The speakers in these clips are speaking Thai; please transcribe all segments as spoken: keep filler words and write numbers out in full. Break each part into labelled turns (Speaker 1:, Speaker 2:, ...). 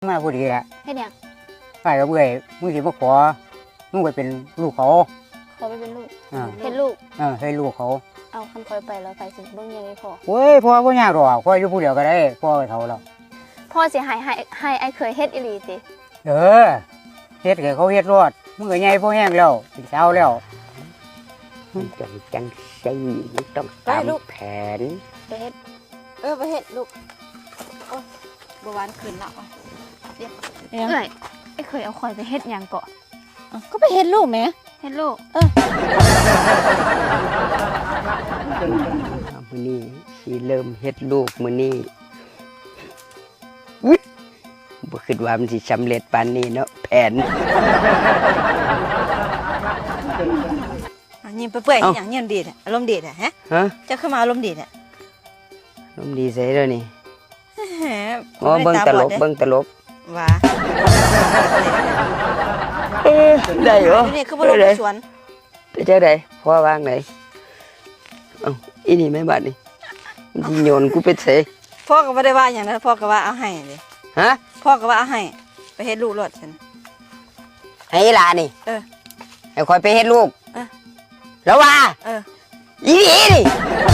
Speaker 1: มาพอดีแหละ
Speaker 2: เฮ็ดหยัง
Speaker 1: ไปกับเบื่อมึงสิมาขอมึงไปเป็นลูกเขา
Speaker 2: ขอไปเป็นลูก
Speaker 1: อ่า
Speaker 2: เฮ็ดลูก
Speaker 1: เออให้ลูกเขา
Speaker 2: เอาคันคอยไปแล้วไปสิเบิ่งยังไงพ่อ
Speaker 1: เว้ยพ่อบ่ยากหรอกพ่ออยู่ผู้เดียวก็ได้พ่อเฒ่าแล้ว
Speaker 2: พ่อสิให้ให้ให้ไอ้เคยเฮ็ดอีหลีติ
Speaker 1: เออเฮ็ดให้เขาเฮ็ดรอดมึงก็ใหญ่พอแห้งแล้วเป็นสาวแล้ว
Speaker 3: จังจังใส่ต้องตามแผน
Speaker 2: ไปเฮ็ดเออไปเฮ็ดลูกโอ้บ่หวานขึ้นแล้วเดี๋ยวเอ้ยไอ้เคยเอาคอยไปเฮ็ดหยังเกาะ
Speaker 4: ก็ไปเฮ็ดลูกแหม
Speaker 2: เฮ็ดลูก
Speaker 4: เออ
Speaker 3: มื้อนี้สิเริ่มเฮ็ดลูกมื้อนี้บ่คิดว่ามันสิสำเร็จปานนี้เนาะแผน
Speaker 4: ยิ้มเปื่อยๆอย่างยิ้มดีอารมณ์ดีฮะ
Speaker 3: ฮะ
Speaker 4: จะเข้ามาอารมณ์ดีเนี่ย
Speaker 3: อารมณ์ดีใส่แล้วนี่อ๋อเบิ่งตลกเบิ่งตลก
Speaker 4: ว่า
Speaker 3: ได้เหรอ
Speaker 4: นี่คือบ่ลงสวน
Speaker 3: ไปจังได๋พ่อวางไหนเอ้าอีนี่แม่บัดนี่มันสิโยนกูไปเสย
Speaker 4: พ่อก็บ่ได้ว่าหยังนะพ่อก็ว่าเอาให้ดิ
Speaker 3: ฮะ
Speaker 4: พ่อก็ว่าเอาให้ไปเฮ็ดลูกรถฉัน
Speaker 3: ให้หลานนี่
Speaker 4: เออ
Speaker 3: ให้คอยไปเฮ็ดลูก
Speaker 4: เออ
Speaker 3: แล้วว่า
Speaker 4: เออ
Speaker 3: อีนี่นี่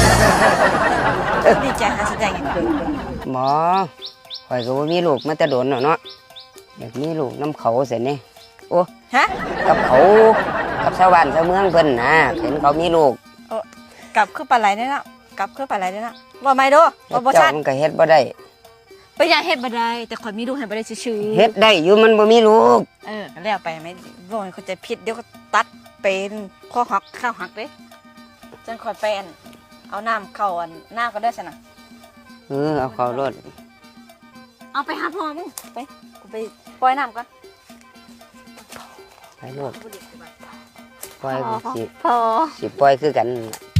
Speaker 4: ดีใจหาแสดง
Speaker 3: หมอคอยก็บ่มีลูกมาแต่โดนเนาะอยากมีลูกน้ำเขาเสียนี่โอ้
Speaker 4: ฮะ
Speaker 3: กับเขากับชาวบ้านชาวเมืองเพิ่นนะเห็นเขามีลูก
Speaker 4: โอ้กลับคือปลาไหลได้แล้วกลับคือปลาไหลได้แล้วว่าไม่ดูว่าบ่ชัด
Speaker 3: มันก็เฮ็ดบ่ได้
Speaker 4: ไปอยากเฮ็ดบ่ได้แต่ข่อยมีลูกให้บ่ได้ซื่อ
Speaker 3: ๆเฮ็ดได้อยู่มันบ่มีลูก
Speaker 4: เออก็แล้วไปไม่บ่ให้เขาใจผิดเดี๋ยวก็ตัดเป็นข้อหักข้าวหักเด้จังข่อยไปอันเอาน้ำเข้าอันหน้าก็ได้ซั่นน่ะ
Speaker 3: เออเอาเข้ารถ
Speaker 4: เอาไปหาพ่อมึงไปกูไปปล่อยน้ำก่อน
Speaker 3: ไปรถปล่อยสิ
Speaker 2: พอ
Speaker 3: สิปล่อยคือกัน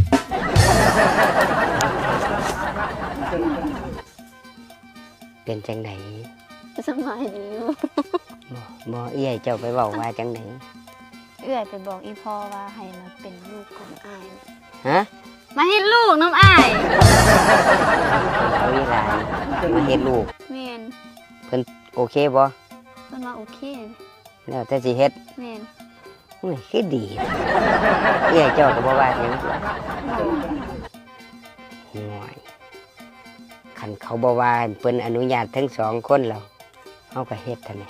Speaker 3: เป็นจังได๋
Speaker 2: สบายดีอยู่
Speaker 3: บ่บ่เอื้อยเจ้าไปเว้าว่าจังได๋
Speaker 2: เอื้อยไปบอกอีพ่อว่าให้มาเป็นลูกของอ้าย
Speaker 3: ฮะ
Speaker 2: มาเฮ็ดลูกน้ำอ้าย
Speaker 3: เอาอีหลานมาเฮ็ดลูก
Speaker 2: แม่น
Speaker 3: เพิ่นโอเคบ่
Speaker 2: เพิ่นว่าโอเค
Speaker 3: แล้วแต่สิเฮ็ด
Speaker 2: แม่น
Speaker 3: โอ้ยคือดีเอื้อยเจ้าก็บ่ว่าหยังห่วยคันเขาบ่ว่าเพิ่นอนุญาตทั้งสองคนแล้วเฮาก็เฮ็ดเท่านั้น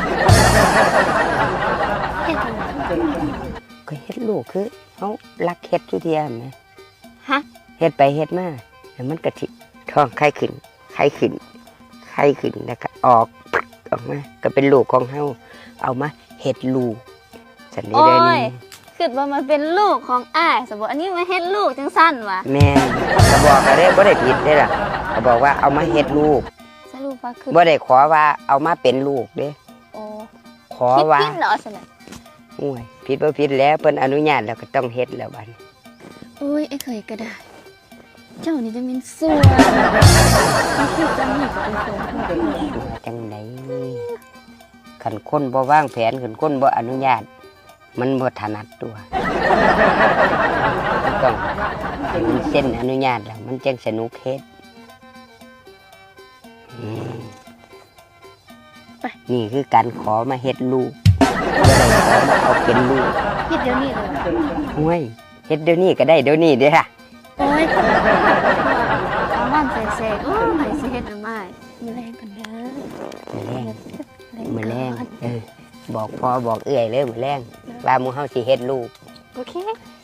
Speaker 2: เฮ็ดจังได๋
Speaker 3: ก็เฮ็ดลูกคือเฮารักเฮ็ดอยู่เที่ยแหม
Speaker 2: ฮะ
Speaker 3: เฮ็ดไปเฮ็ดมาแล้วมันก็สิท้องไข่ขึ้นไข่ขึ้นไข่ขึ้นแล้วก็ออกออกมาก็เป็นลูกของเฮาเอามาเฮ็ดลูกสันนี้ได้นี่
Speaker 2: คิดว่ามันเป็นลูกของอ้ายสมมุติอันนี้มาเฮ็ดลูกจังซั่นวะ
Speaker 3: แม่ก็บอกก็ได้บ่ได้ผิดเด้ล่ะก็บอกว่าเอามาเฮ็ดลูก
Speaker 2: สรุปว่าคือ
Speaker 3: บ่ได้ขอว่าเอามาเป็นลูกเด้
Speaker 2: โอ้
Speaker 3: ขอว่า
Speaker 2: ผิดเหรอซั่นน่ะ
Speaker 3: โอ้ยผิดบ่ผิดแล้วเพิ่นอนุญาตแล้วก็ต้องเฮ็ดแล้วบัดนี้
Speaker 2: โอ้ยไอ้เคยก็ได้เจ้านี่จะเป็นสัวคือจังนี่ก็เป็นคนพูด
Speaker 3: สัวจังได๋คันคนบ่วางแผนคันคนบ่อนุญาตมันบ่ถนัดตัวต้องให้มันเซ็นอนุญาตแล้วมันจังสนุกเฮ็ดนี่คือการขอมาเฮ็ดลูกบ่ได้ขอมาเอาเป็นลูก
Speaker 2: เฮ็ดเดี๋ยวนี้เลย
Speaker 3: โอ้ยเฮ็ดเดี๋ยวนี้ก็ได้เดี๋ยวนี้เด้อค่ะ
Speaker 2: โอ้ยเอาบ้านแซ่ๆโอ้ยไผสิเฮ็ดน้ำอ้ายมื้อแรงกันเด้อ
Speaker 3: มื้อแรงมื้อแรงเออบอกพ่อบอกเอื้อยเลยมื้อแรงว่าหมู่เฮาสิเฮ็ดลูก
Speaker 2: โอเค